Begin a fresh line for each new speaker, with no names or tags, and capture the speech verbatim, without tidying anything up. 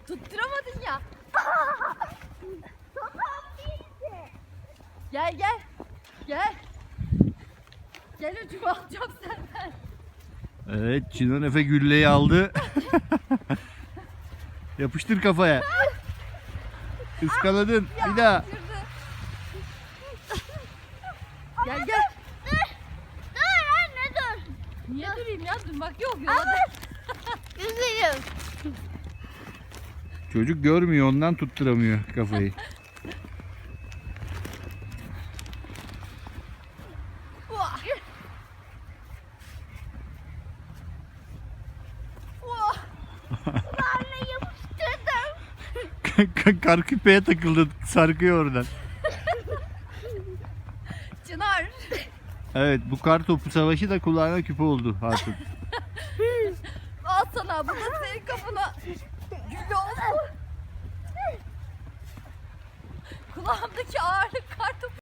Tutturamadın ya. Gel gel. Gel. Gel ucuma alacağım senden.
Evet, Çınar Efe gülleyi aldı. Yapıştır kafaya. Iskaladın. Bir daha.
Gel gel.
Dur. Dur anne dur.
Niye durayım ya? Durmak yok yola.
Üzülüm.
Çocuk görmüyor, ondan tutturamıyor kafayı.
Vah. Vah.
Anne yapıştırdım.
Kar küpeye takıldı, sarkıyor oradan.
Çınar.
Evet, bu kar topu savaşı da kulağına küpe oldu Hatun.
Al sana. Bu da senin kafana. Gülle olsun. Kulağımdaki ağırlık kar topu.